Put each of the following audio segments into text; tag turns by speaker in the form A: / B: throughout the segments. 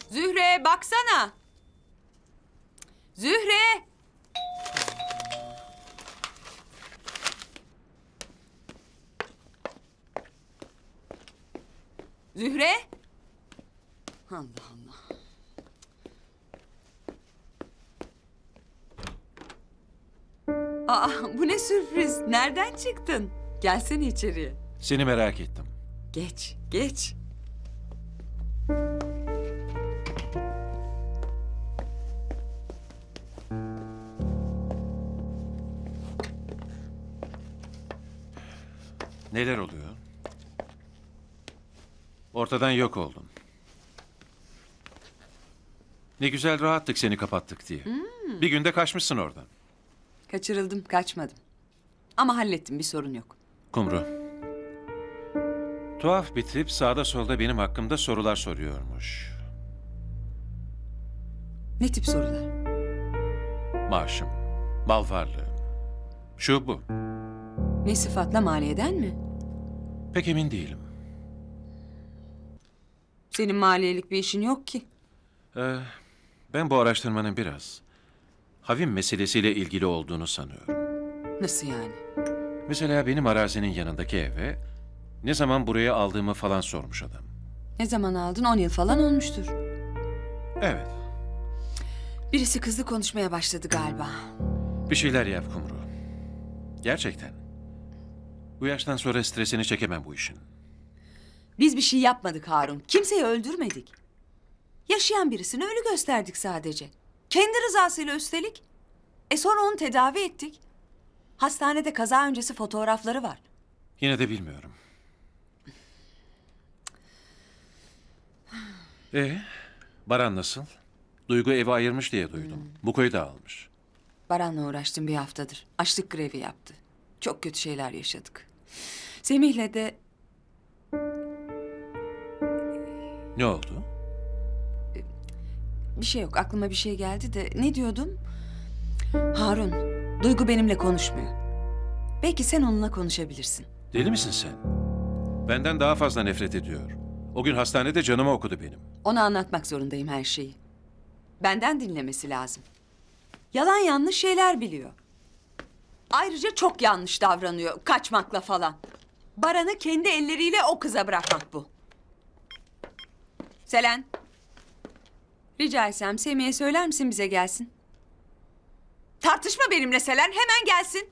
A: Zühre baksana. Zühre. Zühre. Allah Allah. Aa, bu ne sürpriz. Nereden çıktın? Gelsene içeriye.
B: Seni merak ettim.
A: Geç, geç.
B: Neler oluyor? Ortadan yok oldun. Ne güzel rahattık seni kapattık diye. Bir günde kaçmışsın oradan.
A: Kaçırıldım, kaçmadım. Ama hallettim, bir sorun yok.
B: Kumru. Tuhaf bir tip sağda solda benim hakkımda sorular soruyormuş.
A: Ne tip sorular?
B: Maaşım, mal varlığım. Şu bu.
A: Ne sıfatla, maliyeden mi?
B: Pek emin değilim.
A: Senin maliyelik bir işin yok ki.
B: Ben bu araştırmanın biraz Havim meselesiyle ilgili olduğunu sanıyorum.
A: Nasıl yani?
B: Mesela benim arazinin yanındaki eve ne zaman buraya aldığımı falan sormuş adam.
A: Ne zaman aldın? 10 yıl falan olmuştur.
B: Evet.
A: Birisi kızlı konuşmaya başladı galiba.
B: Bir şeyler yap Kumru. Gerçekten. Bu yaştan sonra stresini çekemem bu işin.
A: Biz bir şey yapmadık Harun. Kimseyi öldürmedik. Yaşayan birisini ölü gösterdik sadece. Kendi rızasıyla üstelik. Sonra onu tedavi ettik. Hastanede kaza öncesi fotoğrafları var.
B: Yine de bilmiyorum. Baran nasıl? Duygu evi ayırmış diye duydum. Bu köyü de almış.
A: Baran'la uğraştım bir haftadır. Açlık grevi yaptı. Çok kötü şeyler yaşadık. Semih'le de
B: Ne oldu?
A: bir şey yok. Aklıma bir şey geldi de ne diyordum? Harun, Duygu benimle konuşmuyor. Belki sen onunla konuşabilirsin.
B: Deli misin sen? Benden daha fazla nefret ediyor. O gün hastanede canımı okudu benim.
A: Ona anlatmak zorundayım her şeyi. Benden dinlemesi lazım. Yalan yanlış şeyler biliyor. Ayrıca çok yanlış davranıyor kaçmakla falan. Baran'ı kendi elleriyle o kıza bırakmak bu. Selen. Rica etsem Semih'e söyler misin bize gelsin? Tartışma benimle Selen, hemen gelsin.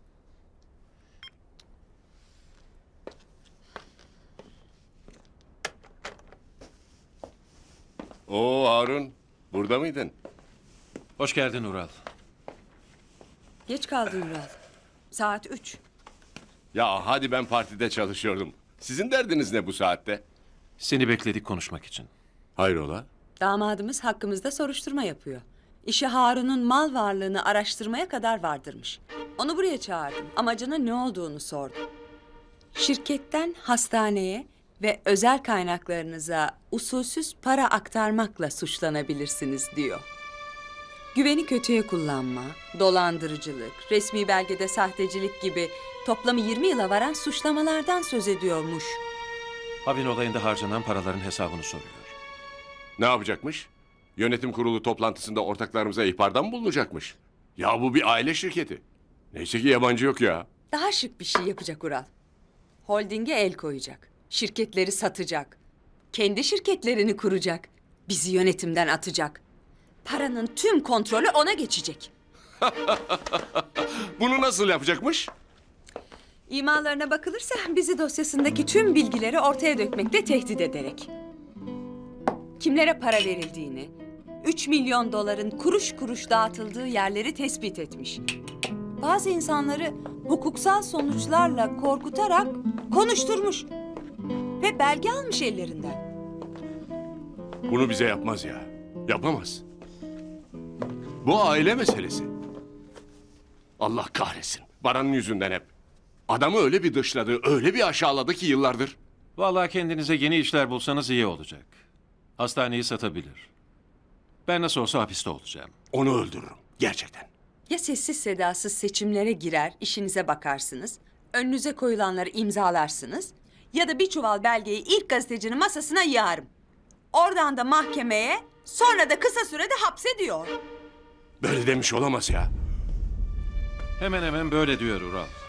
C: Oo Harun, burada mıydın?
B: Hoş geldin Ural.
A: Geç kaldın Ural. Saat 3.
C: Ya hadi ben partide çalışıyordum. Sizin derdiniz ne bu saatte?
B: Seni bekledik konuşmak için.
C: Hayrola?
A: Damadımız hakkımızda soruşturma yapıyor. İşi Harun'un mal varlığını araştırmaya kadar vardırmış. Onu buraya çağırdım. Amacına ne olduğunu sordum. Şirketten hastaneye ve özel kaynaklarınıza usulsüz para aktarmakla suçlanabilirsiniz diyor. Güveni kötüye kullanma, dolandırıcılık, resmi belgede sahtecilik gibi toplamı 20 yıla varan suçlamalardan söz ediyormuş.
B: Havin olayında harcanan paraların hesabını soruyor.
C: Ne yapacakmış? Yönetim kurulu toplantısında ortaklarımıza ihbarda mı bulunacakmış? Ya bu bir aile şirketi. Neyse ki yabancı yok ya.
A: Daha şık bir şey yapacak Ural. Holding'e el koyacak. Şirketleri satacak. Kendi şirketlerini kuracak. Bizi yönetimden atacak. Paranın tüm kontrolü ona geçecek.
C: Bunu nasıl yapacakmış?
A: İmalarına bakılırsa bizi dosyasındaki tüm bilgileri ortaya dökmekle tehdit ederek. Kimlere para verildiğini, 3 milyon doların kuruş kuruş dağıtıldığı yerleri tespit etmiş. Bazı insanları hukuksal sonuçlarla korkutarak konuşturmuş. Ve belge almış ellerinden.
C: Bunu bize yapmaz ya. Yapamaz. Bu aile meselesi. Allah kahretsin. Baran'ın yüzünden hep. Adamı öyle bir dışladı, öyle bir aşağıladı ki yıllardır.
B: Vallahi kendinize yeni işler bulsanız iyi olacak. Hastaneyi satabilir. Ben nasıl olsa hapiste olacağım.
C: Onu öldürürüm. Gerçekten.
A: Ya sessiz sedasız seçimlere girer, işinize bakarsınız, önünüze koyulanları imzalarsınız ya da bir çuval belgeyi ilk gazetecinin masasına yığarım. Oradan da mahkemeye, sonra da kısa sürede hapse diyor.
C: Böyle demiş olamaz ya.
B: Hemen hemen böyle diyor Ural.